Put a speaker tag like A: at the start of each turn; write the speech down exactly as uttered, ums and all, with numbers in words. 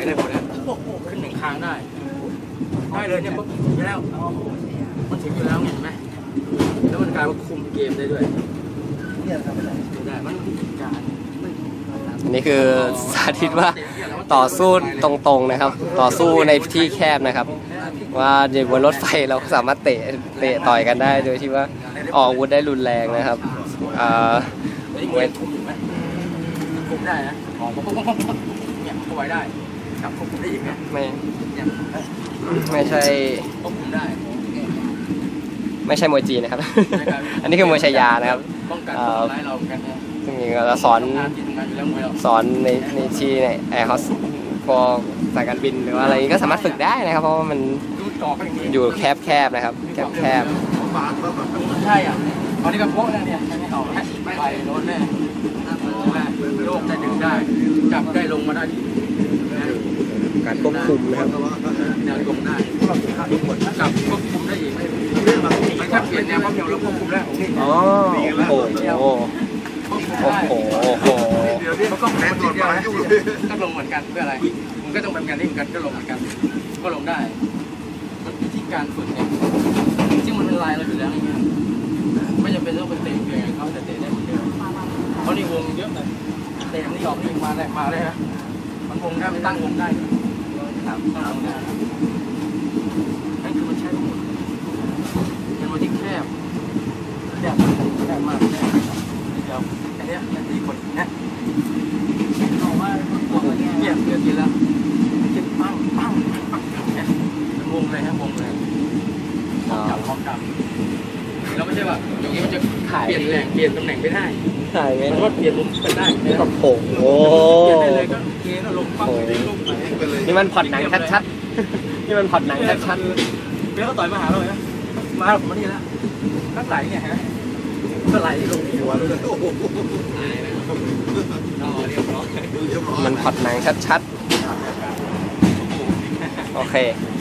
A: ได้หมดแล้วขึ้นหนึ่งคางได้ได้เลยเนี่ยปุ๊บอยู่แล้วมันถึงอยู่แล้วเห็นไหมแล้วมันกลายว่าคุมเกมได้ด้วยได้มันการ
B: อันนี้คือสาธิตว่าต่อสู้ตรงๆนะครับต่อสู้ในที่แคบนะครับว่าอยู่บนรถไฟเราสามารถเตะเตะต่อยกันได้โดยที่ว่าออกอาวุธได้รุนแรงนะครับอ่า
A: เวทคุมไหมคุมได้นะอ๋อเนี่ยคุมไว้ได้จับคุมได้อีกเนี่ย
B: ไม่ไม่ใช่
A: ควบคุมได้
B: ไม่ใช่มวยจีนนะครับอันนี้คือมวยชายานะครับ
A: ป้องกันทำร้ายเรากันนะ
B: ซึ่งเราสอนสอนในในที่ในแอร์โฮสพอสายการบินหรือว่าอะไรก็สามารถฝึกได้นะครับเพราะว่ามันอยู่แคบแคบนะครับแคบแคบ
A: ใช่อ่ะตอนนี้กับพวกเนี่ยเนี่ยไม่เอาไม่ไปโน้นแน่โลกได้ดึงได้จับได้ลงมาได้
B: การควบคุมนะครับ
A: แนวลงได้จับควบคุมได้อีกไม่แค่เปลี่ยนแนวความเร็วเราควบคุมแล้ว
B: อ๋อโอ้โหโอ้โหโอ้โห
A: มันก็แรงตัวเดียวก็ลงเหมือนกันเพื่ออะไรมันก็ต้องเป็นการที่เหมือนกันก็ลงเหมือนกันก็ลงได้มันเป็นที่การฝึกเองซึ่งมันเป็นลายเราอยู่แล้วอย่างเงี้ยไม่จำเป็นต้องไปเตะเพียงเขาแต่เตะได้เหมือนเดิมเพราะนี่วงเยอะเลยเตะนี่ออกนี่มาได้มาได้ฮะมันวงได้มันตั้งวงได้ครับตั้งวงได้นั่นคือมันใช้ทั้งหมดเป็นวันที่แคบแคบแคบมากแคบเดียวแค่นี้นาทีคนเนี่ยบอกว่าเงียบเดือดกินแล้วคิดปั้งปั้งปั้งเนี่ยเป็นวงเลยฮะวงเลยจับพร้อมจับเราไม่ใช่ว่าอย่างนี้มันจะเปลี่ยนแหล่งเปลี่ยนตำแหน่งไม่ได้
B: ถ่ายไหม
A: มันก็เปลี่ยนมุมกันได้
B: กับโผล่โอ้
A: เปลี่ยนได้เลยก็เกณฑ์ลงปั้งได้ลงไปเลย
B: นี่มันผ่อนหนังชัดๆนี่มันผ่อนหนังชัด
A: ๆเบี้ยเขาต่อยมาหาเราเลยนะมาผมมานี่แล้วนักไหลเนี่ยฮะก็ไหลลงหัวเลยโอ้โหเรียบร้อย
B: มันผ่อนหนังชัดๆโอเค